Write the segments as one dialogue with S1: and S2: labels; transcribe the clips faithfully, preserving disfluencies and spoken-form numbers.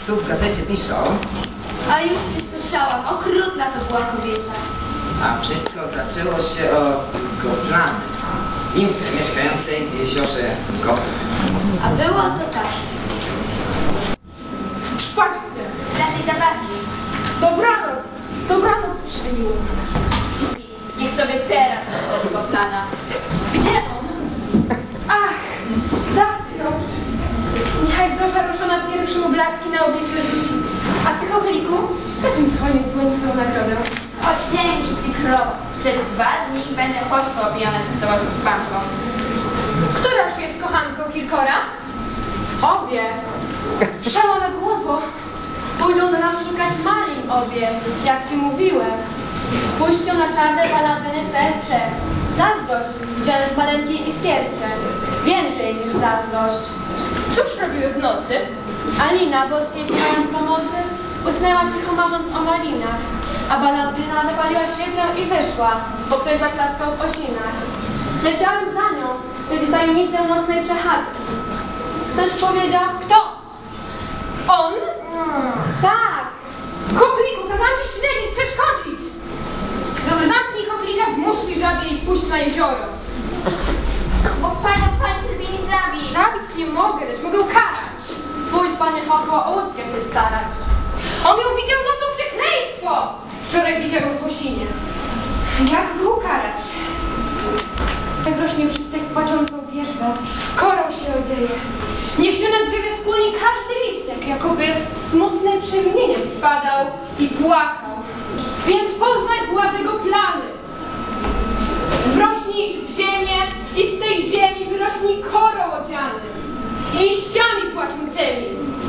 S1: tu w gazecie piszą...
S2: A już cię słyszałam, okrutna to była kobieta.
S1: A wszystko zaczęło się od Goplany, nimfy mieszkającej w jeziorze Gopl.
S2: A było to tak.
S3: Spać chcę.
S2: Naszej zabawki.
S3: Dobranoc. Dobranoc, przyjmiło.
S2: Niech sobie teraz otworzy Goplana. Gdzie on?
S4: Ach, zasnął. Niechaj Zosza ruszona pierwszym oblaski na oblicze rzuci. A ty, chochliku, też mi schłonie dłoń twoją nagrodę.
S2: O, dzięki ci królowo. Przez dwa dni będę chłopco opijana częstować z panką.
S4: Któraż jest kochanką Kirkora? Obie. Szalone głowo. Pójdą do nas szukać malin obie, jak ci mówiłem. Spójrzcie na czarne paladyny serce. Zazdrość widziałem w maleńkiej iskierce. Więcej niż zazdrość. Cóż robiły w nocy? Alina, boskiej wzywając pomocy, usnęła cicho marząc o malinach, a Baladyna zapaliła świecę i wyszła, bo ktoś zaklaskał w osinach. Leciałem za nią, śledzić tajemnicę nocnej przechadzki. Ktoś powiedział, kto? On? Tak. Chokliku, kazałam ci śledzić, przeszkodzić. Dobra, zamknij choklika w muszli żabiej i puść na jezioro.
S2: Bo pana pan mnie nie zabił.
S4: Zabić nie mogę, lecz mogę karać. Spójrz, panie Chokło, o łódkę się starać. On ją widział nocą, przekleństwo! Wczoraj widział ją w osinie. Jak go ukarać? Jak rośnie wszystek w płaczącą wierzbę, korą się odzieje. Niech się na drzewie skłoni każdy listek, jakoby smutne przemienieniem spadał i płakał. Więc poznaj władzę Goplany. Wrośnij w ziemię i z tej ziemi wyrośnij korą odziany, liściami płaczącymi.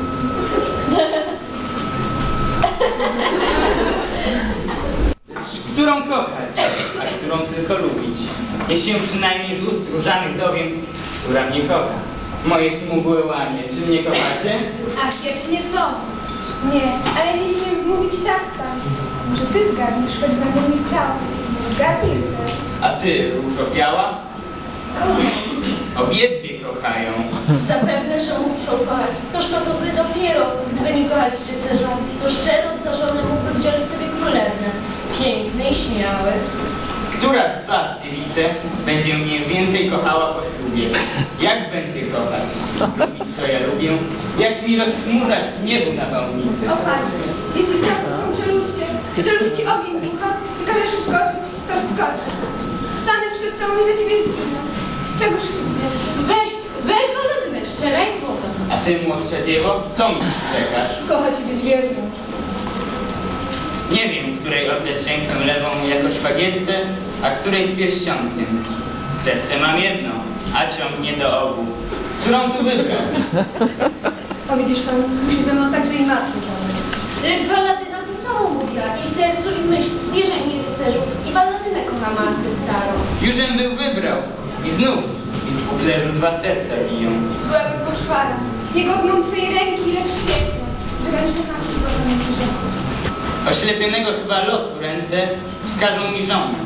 S5: Którą kochać, a którą tylko lubić. Jeśli się przynajmniej z ust różanych dowiem, która mnie kocha. Moje smugłe łanie, czy mnie kochacie?
S4: Ach, ja ci nie powiem. Nie, ale nie śmiem mówić tak tam. Może ty zgadniesz, choć będę milczała. Zgadnij, chcesz.
S5: A ty, różo biała? Obiedwie kochają.
S2: Zapewne, że muszą kochać. Toż to dobry dopiero, gdyby nie kochać rycerza, co szczerą za żonę mógłby wziąć sobie królewnę. Piękny i śmiały.
S5: Która z was, dziewice, będzie mnie więcej kochała po ślubie? Jak będzie kochać? Lubić, co ja lubię? Jak mi rozchmurać w niebu na bałnicy?
S4: O Panie, jeśli w zamku są czeluście, z czeluści ogień bucha, ty każesz wskoczyć, to wskoczę. Stanę przed tobą i za ciebie zginę. Czego życzyć będę?
S2: Weź, weź Baladynę, szczeraj złota.
S5: A ty, młodsza dziewo, co mi czekasz?
S3: Kochać i być wierną.
S5: Nie wiem, której oddać rękę lewą jako szwagietce, a której z pierścionkiem. Serce mam jedno, a ciągnie do obu. Którą tu wybrać?
S3: O widzisz pan, musi ze mną także i matkę zabrać.
S2: Lecz Baladyna to samo mówiła i w sercu i w myśli. Wierzaj mi, rycerzu, i Baladynę kocha matkę starą.
S5: Jużem był wybrał i znów w kublerzu dwa serca biją.
S4: Byłabym poczwara. Nie godną twojej ręki, lecz piękna. Żebym się na chyba nie wyrzekła.
S5: Oślepionego chyba losu ręce wskażą mi żonę.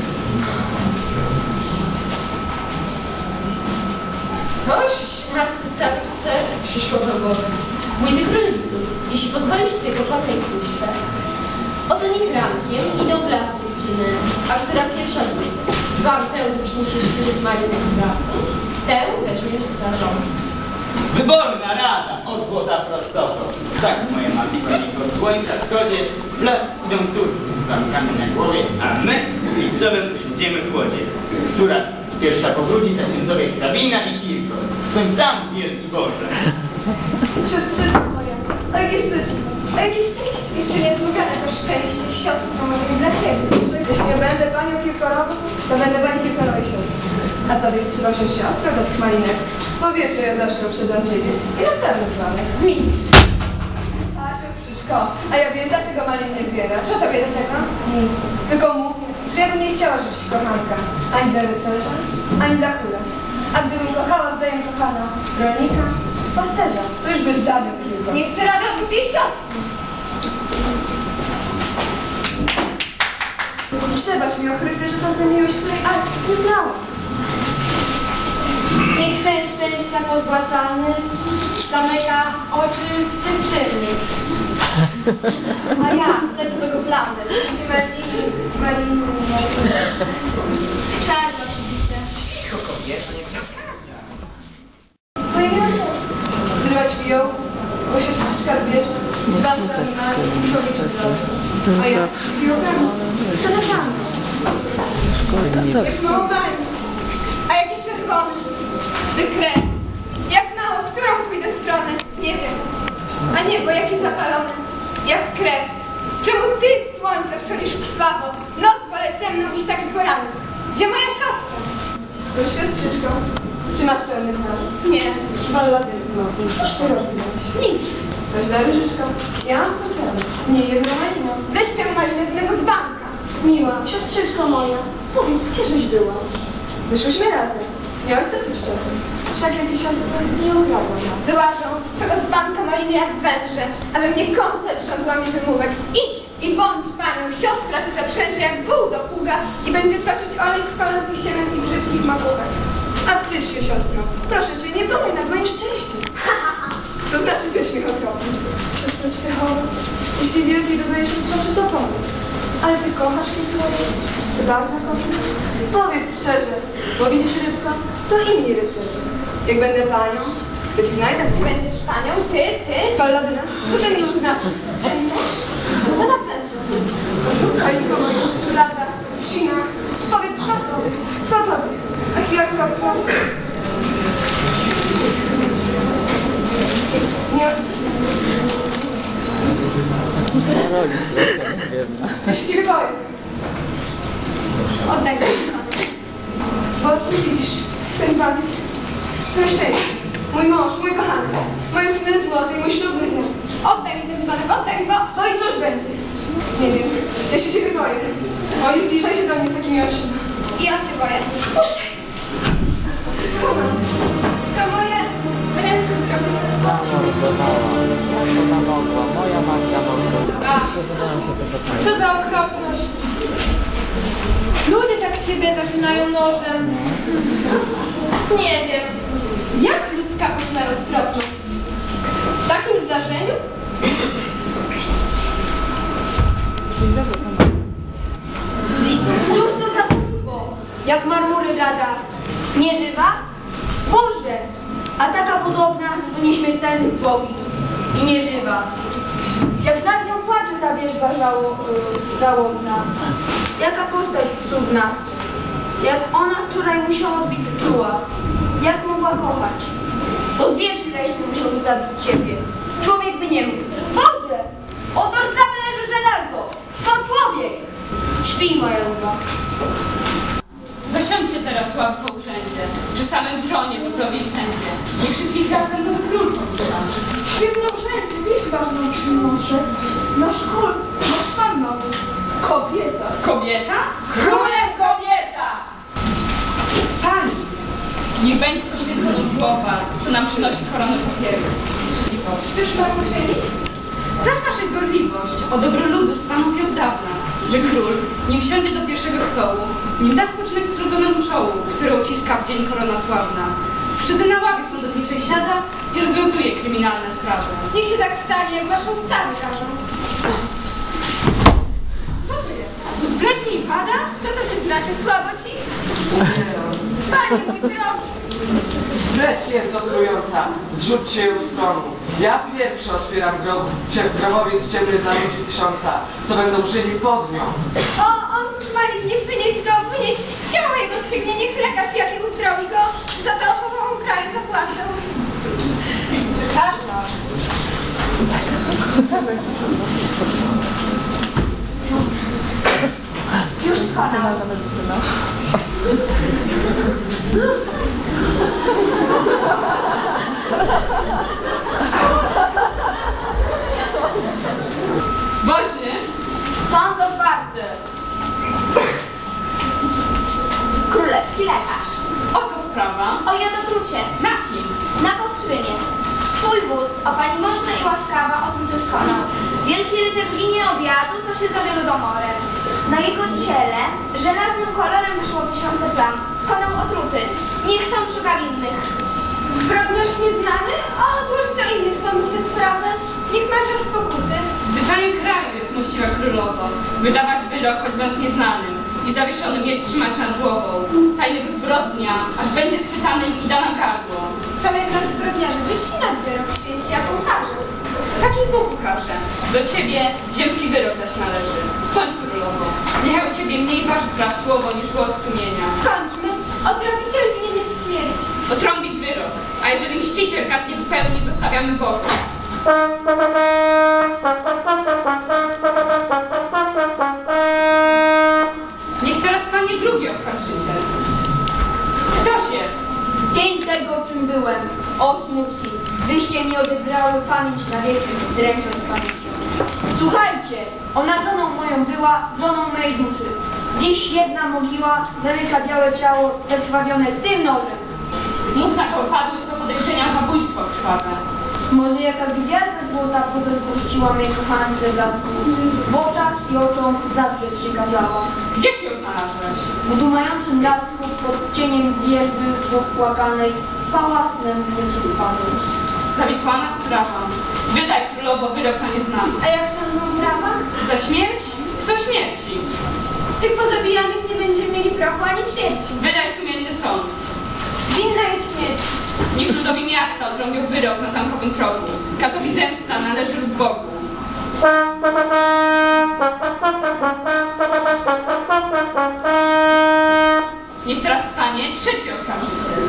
S2: Coś matce staruszce przyszło do głowy. Mój ty królicu, jeśli pozwolisz tej pokornej służce, oto niech rankiem idą w las dziewczyny, a która pierwsza dzban pełny przyniesie świeżych marinek z lasu, tę weźmiesz za żonę.
S5: Wyborna rada, o złota prostoto. Tak, moja matko, niego słońca wschodzie, w las idą córki z zamkami na głowie, a my liczcowym usiądziemy w wodzie. Która pierwsza powróci księdzowie hrabina i Kirkor. Są sam wielki Boże.
S3: Siostrzyca moja, a jakie szczęście, a jakie szczęście.
S4: Jeszcze niezmówione to szczęście, siostro, może nie dla ciebie.
S3: Jeśli nie będę panią Kirkorową, to będę pani Kirkorowej siostrą. A tobie trzeba wziąć siostrę do tych malinek, bo wiesz, że ja zawsze uprzedzam ciebie. I na pewno dzwonek.
S4: Milcz.
S3: A siostrzyszko, a ja wiem, dlaczego malin nie zbiera.
S4: Co tobie do tego?
S3: Nic. Tylko mówię, że ja bym nie chciała rzucić kochanka. Ani dla rycerza, ani dla króla. A gdybym kochała wzajem kochana rolnika, pasterza, to już bez żadnych kilku.
S4: Nie chcę rady o głupie siostry.
S3: Przebacz mi, o Chryste, że sądzę miłość, której ale nie znałam.
S4: Niech sen szczęścia pozłacany zamyka oczy dziewczyny. A ja lecę do goblany.
S3: Wszędzie maliny, maliny, maliny.
S4: Czarno się widzę.
S1: Cicho, kobieto, nie przeszkadza.
S3: Bo ja miałam czas zrywać fiołki, bo siostrzyczka zwierzę, dbam o animalne i kobiecie z lasu. A ja z fiołkami zostanę panną.
S4: Jak mało malin, a jaki czerwony, by krew. Jak mało, którą pójdę stronę, nie wiem. A niebo jakie zapalone, jak krew. Czemu ty, słońce, wschodzisz krwawo? Noc wolę ciemną niż taki poranek. Gdzie moja siostra?
S3: Co z siostrzyczką? Czy masz pełny plan?
S4: Nie,
S3: Ballady, no, cóż ty robiłaś?
S4: nic.
S3: To źle, Różyczko. Ja mam swój plan. Nie jedną maliną.
S4: Weź tę malinę z mego dzbanka.
S3: Miła, siostrzyczko moja, powiedz, gdzieżeś była? Wyszłyśmy razem. Miałaś dosyć czasu. Wszak ja ci siostro nie ukradłam.
S4: Wyłażą z twego dzbanka maliny jak węże, aby mnie kąsać rządła mi wymówek. Idź i bądź panią, siostra się zaprzęży jak wół do pługa i będzie toczyć olej z kolor i siemion i brzydkich magówek.
S3: A wstydź się, siostro. Proszę cię, nie panuj nad moim szczęściem. Co znaczy ten śmiech okropny? Siostro Cztechowa, jeśli wielkiej dodajesz rozpaczy, to powiedz. Ale ty kochasz Kilkory? Ty bardzo kochasz? Powiedz szczerze, bo widzisz, rybko, są inni rycerze. Jak będę panią, to ci znajdę.
S4: Będziesz panią, ty, ty?
S3: Balladyna, co ten już znaczy?
S4: No na pewno.
S3: Kalinko moja, lata, sina, powiedz, co tobie? Co tobie? A chwilkę, nie. Ja się ciebie boję.
S4: Oddaj mi.
S3: Bo ty widzisz, ten zbawił. To szczęście. Mój mąż, mój kochany. Moje sny złote i mój ślubny dniu.
S4: Oddaj mi ten dzbanek, oddaj mi, bo...
S3: No i cóż będzie? Nie wiem. Ja się ciebie boję. O, nie zbliżaj się do mnie z takimi oczyma.
S4: I ja się boję.
S3: Puszczaj.
S4: Co moje ręce zrobiły?
S6: Moja matka mogła.
S4: Ach, co za okropność. Ludzie tak siebie zaczynają nożem. Nie wiem, jak ludzka można roztropność? W takim zdarzeniu?
S7: Cóż to za bóstwo? Jak marmury blada. Nieżywa? Boże! A taka podobna do nieśmiertelnych bogi. I nieżywa. Jak nad nią płacze ta wierzba żało, yy, żałobna. Jaka postać cudna. Jak ona wczoraj musiała być czuła. Jak mogła kochać. To zwierz leśny musiał zabić ciebie. Człowiek by nie mógł. Boże! Oto rdzawne leży żelazo. To człowiek! Śpij, moja luba.
S8: Zasiądźcie teraz ławko urzędzie, przy samym tronie wodzowi i sędzie. Niech wszystkich razem nowy król powita.
S3: Świetno wszędzie, wieś ważną przynoszę. Nasz król, nasz pan nowy. Kobieta.
S8: Kobieta? Królem kobieta! Pani, niech będzie poświęcona głowa, co nam przynosi koronę papieru.
S4: Chcesz pan uczynić?
S8: Praw naszych gorliwość o dobro ludu stanowi od dawna, że król, nim siądzie do pierwszego stołu, nim da spoczynek strudzonemu czołu, które uciska w dzień korona sławna, wtedy na ławie sądowniczej siada i rozwiązuje kryminalne sprawy.
S4: Niech się tak stanie, jak waszą ustawy każą.
S8: Co to jest? Zbredni i pada?
S4: Co to się znaczy? Słabo ci? Panie mój drogi,
S9: Lecz jędzo trująca, zrzućcie ją z tronu. Ja pierwszy otwieram grob, cie- grobowiec ciemny dla ludzi tysiąca, co będą żyli pod nią.
S4: o, on Malik, nie wynieść go, wynieść ciało jego stygnie, niech lekarz jaki uzdrowi go, za to ochową kraju zapłacę.
S7: Już spadam.
S8: Woźny?
S7: Sąd otwarty.
S2: Królewski lekarz.
S8: O co sprawa?
S2: O jadotrucie.
S8: Na kim?
S2: Na Kostrynie. Twój wódz, o pani można i łaskawa, otruty skonał.
S4: Wielki rycerz ginie obiadu, co się zowie ludomorem. Na jego ciele żelaznym kolorem wyszło tysiące plam. Skonał otruty. Niech sąd szuka winnych.
S3: Zbrodniarz nieznany? A odłożyć do innych sądów tę sprawę. Niech ma czas pokuty.
S8: Zwyczajem kraju jest mościwa królowo, wydawać wyrok choćby nad nieznanym i zawieszony mieć trzymać nad głową. Tajnego zbrodnia, aż będzie schwytanym i da na gardło.
S3: Są jednak zbrodniarze wyżsi nad wyrok święci, jak ukaże.
S8: Taki Bóg ukaże. Do ciebie ziemski wyrok dać należy. Sądź królowo, niechaj u ciebie mniej waży praw słowo niż głos sumienia.
S3: Skończmy. Odrobiciel winien jest śmierci.
S8: Otrąbić wyrok, a jeżeli mściciel kat nie wypełni, zostawiamy Bogu. Niech teraz stanie drugi oskarżyciel. Ktoś jest.
S7: Dzień tego, czym byłem. O smutki, wyście mi odebrały pamięć na wieki z ręką z pamięcią. Słuchajcie, ona żoną moją była, żoną mojej duszy. Dziś jedna mogiła zamyka białe ciało zakrwawione tym nożem.
S8: Mów na kogo padły to podejrzenia zabójstwo krwawe.
S7: Może jaka gwiazda złota pozazdrościła mej kochance blasku. W oczach i oczom zawrzeć się kazała.
S8: Gdzieś ją znalazłeś?
S7: W dumającym blasku pod cieniem wierzby rozpłakanej spała snem nieprzespanym.
S8: Zawikłana sprawa. Wydaj królowo wyrok na nieznany.
S3: A jak sądzą prawa?
S8: Za śmierć? Chcą śmierci.
S3: Z tych pozabijanych nie będziemy mieli prochu ani ćwierci.
S8: Wydaj sumienny sąd.
S3: Winna jest śmierć.
S8: Niech ludowi miasta otrąbią wyrok na zamkowym progu. Katowi zemsta należy lub Bogu. Niech teraz stanie trzeci oskarżyciel.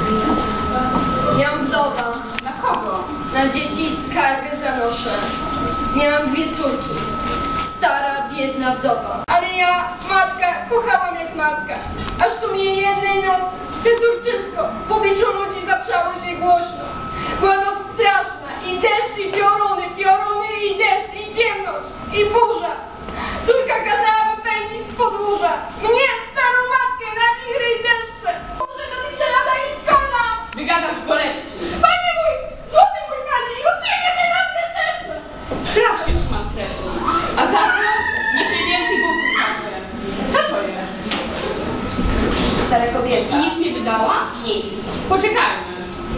S2: Jam wdowa.
S8: Na kogo?
S2: Na dzieci skargę zanoszę. Miałam dwie córki. Stara, biedna wdowa.
S3: Ale ja, matka, kochałam jak matka. Aż tu mi jednej nocy, te córczysko, w obliczu ludzi zaprzało się głośno. Była noc straszna i deszcz, i pioruny, pioruny, i deszcz, i ciemność, i burza. Córka kazała wypędzić z podwórza. Mnie, starą matkę, na wichry i deszcze. Boże, do tych żelaza i skona!
S8: Wygadasz boleści.
S3: Panie mój, złoty mój panie, i od ciebie żelazne serce!
S8: Praw się trzymam treści. A za to niech mnie wielki Bóg ukaże. Co to jest?
S7: Stara kobieta.
S8: I nic nie wydała?
S7: Nic.
S8: Poczekajmy.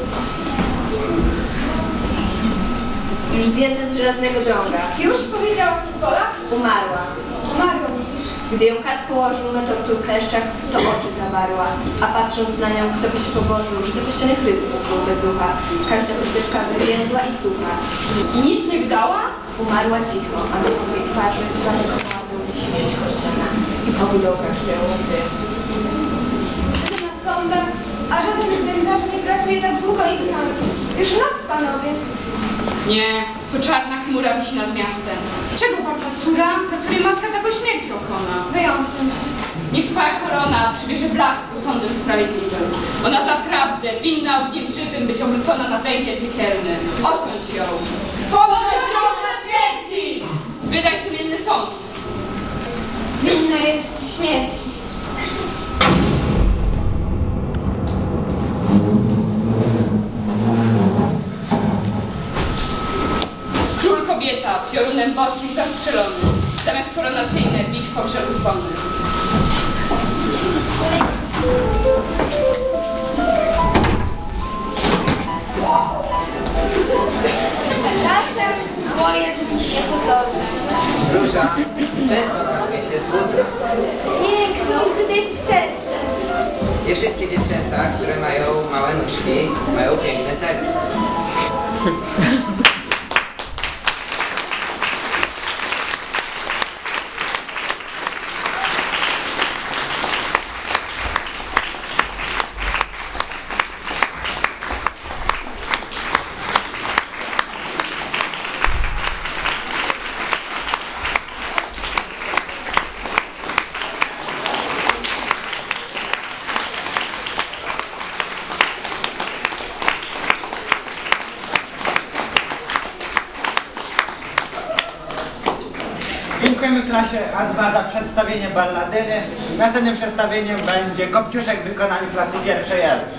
S7: Już zdjęte z żelaznego drąga.
S3: Już powiedziała co w polach?
S7: Umarła.
S3: Umarła mówisz.
S7: Gdy ją kat położył na tortu kleszczach, to oczy zawarła, a patrząc na nią, kto by się pobożył, że tylko ściany Chrystus był bez ducha. Każda usteczka wywiędła i sucha.
S8: I nic nie wydała?
S7: Umarła cicho, a na swojej twarzy zamykała dół śmierć kościana i w obu dołkach swoją łzy.
S3: Siedzę na sądach, a żaden z nędzarzy nie pracuje tak długo i znowu. Już noc, panowie.
S8: Nie, to czarna chmura wisi nad miastem. Czego warta córa, dla której matka taką śmiercią kona?
S3: Wyjąsnąć.
S8: Niech twoja korona przybierze blasku sądem sprawiedliwym. Ona zaprawdę winna ogniem żywym być obrócona na węgiel piekielny. Osądź ją.
S3: Poddać ją na śmierci!
S8: Wydaj sumienny sąd.
S3: Winna jest śmierci.
S8: Król kobieta, piorunem boskim zastrzelony. Zamiast koronacyjne bić w pogrzebu dzwony.
S7: Czasem zło jest niepozorne.
S1: Róża często okazuje się złudna.
S7: Piękno, ukryte jest w sercu.
S1: Nie wszystkie dziewczęta, które mają małe nóżki, mają piękne serce.
S6: Dziękujemy klasie A dwa za przedstawienie balladyny. Następnym przedstawieniem będzie Kopciuszek w wykonaniu klasy pierwszej L.